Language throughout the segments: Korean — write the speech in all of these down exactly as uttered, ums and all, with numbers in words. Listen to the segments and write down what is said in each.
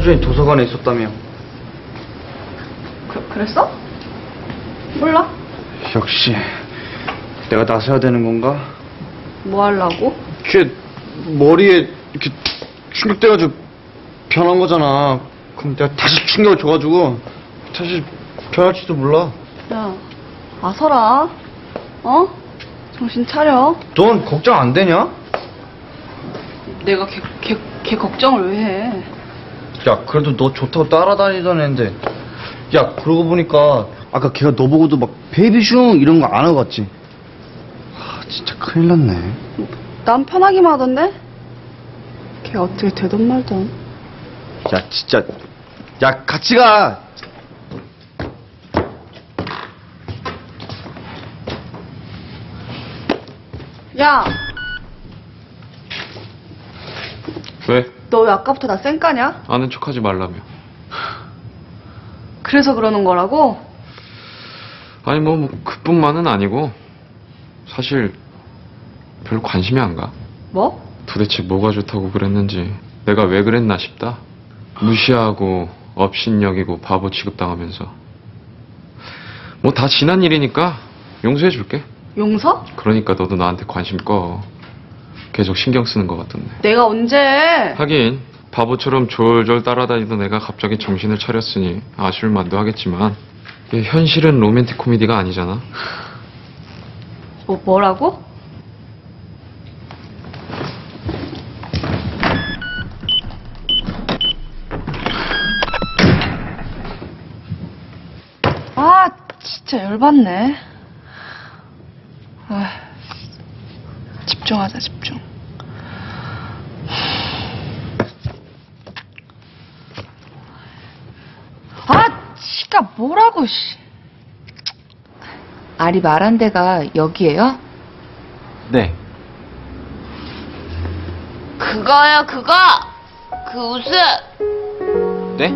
수준이 도서관에 있었다며. 그, 그랬어? 몰라. 역시 내가 나서야 되는 건가? 뭐 하려고? 걔 머리에 이렇게 충격돼가지고 변한 거잖아. 그럼 내가 다시 충격을 줘가지고 다시 변할지도 몰라. 야, 아서라. 어? 정신 차려. 넌 걱정 안 되냐? 내가 걔, 걔, 걔 걱정을 왜 해? 야, 그래도 너 좋다고 따라다니던 애인데. 야, 그러고 보니까 아까 걔가 너 보고도 막 베이비슝 이런 거 안 하고 갔지? 아, 진짜 큰일 났네. 난 편하기만 하던데? 걔 어떻게 되던 말던. 야, 진짜. 야, 같이 가. 야! 왜? 너 왜 아까부터 나 쌩까냐? 아는 척하지 말라며. 그래서 그러는 거라고? 아니 뭐, 뭐 그뿐만은 아니고 사실 별로 관심이 안 가. 뭐? 도대체 뭐가 좋다고 그랬는지 내가 왜 그랬나 싶다. 무시하고 업신여기고 바보 취급당하면서. 뭐 다 지난 일이니까 용서해줄게. 용서? 그러니까 너도 나한테 관심 꺼. 계속 신경 쓰는 것 같던데. 내가 언제? 하긴 바보처럼 졸졸 따라다니던 애가 갑자기 정신을 차렸으니 아쉬울 만도 하겠지만 이게 현실은 로맨틱 코미디가 아니잖아. 뭐, 뭐라고? 아, 진짜 열받네. 아, 집중하자, 집중. 아, 지가 뭐라고, 씨. 아리 말한 데가 여기예요? 네. 그거요, 그거! 그 웃음! 네?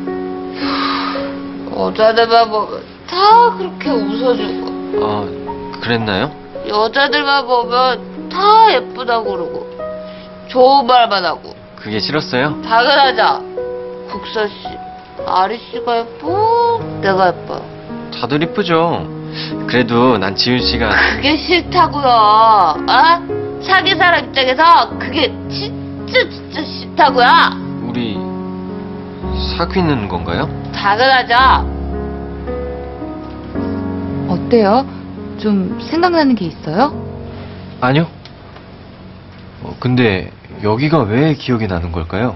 여자들만 보면 다 그렇게 웃어주고, 아, 그랬나요? 여자들만 보면 다 예쁘다고 그러고, 좋은 말만 하고. 그게 싫었어요? 당연하죠. 국서씨, 아리씨가 예뻐? 내가 예뻐? 다들 이쁘죠. 그래도 난 지훈씨가 그게 싫다고요. 어? 사귄 사람 입장에서 그게 진짜 진짜 싫다고요. 우리 사귀는 건가요? 당연하죠. 어때요? 좀 생각나는 게 있어요? 아니요. 어, 근데 여기가 왜 기억이 나는 걸까요?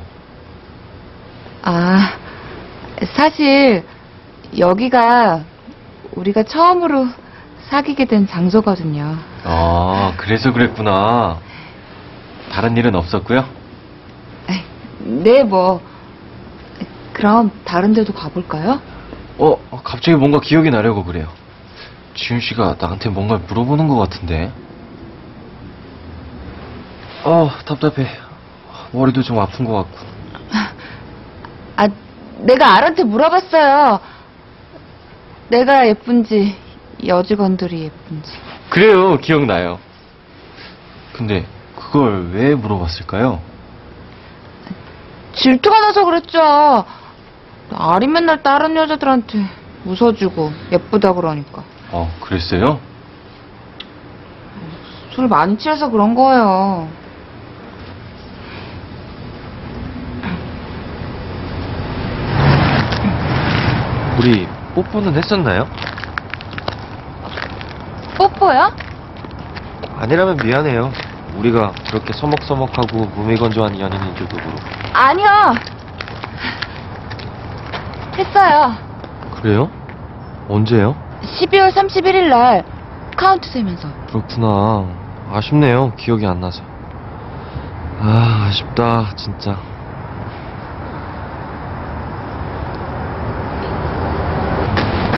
아, 사실 여기가 우리가 처음으로 사귀게 된 장소거든요. 아, 그래서 그랬구나. 다른 일은 없었고요? 네, 뭐. 그럼 다른 데도 가볼까요? 어, 갑자기 뭔가 기억이 나려고 그래요. 지훈씨가 나한테 뭔가 물어보는 것 같은데. 어, 답답해. 머리도 좀 아픈 것 같고. 아, 내가 알한테 물어봤어요. 내가 예쁜지, 여직원들이 예쁜지. 그래요, 기억나요. 근데 그걸 왜 물어봤을까요? 질투가 나서 그랬죠. 아리 맨날 다른 여자들한테 웃어주고 예쁘다 그러니까. 어, 그랬어요? 술 많이 취해서 그런 거예요. 우리 뽀뽀는 했었나요? 뽀뽀요? 아니라면 미안해요. 우리가 그렇게 서먹서먹하고 무미건조한 연인인 줄도 모르고. 아니요. 했어요. 그래요? 언제요? 십이월 삼십일일 날 카운트 세면서. 그렇구나. 아쉽네요. 기억이 안 나서. 아, 아쉽다, 진짜.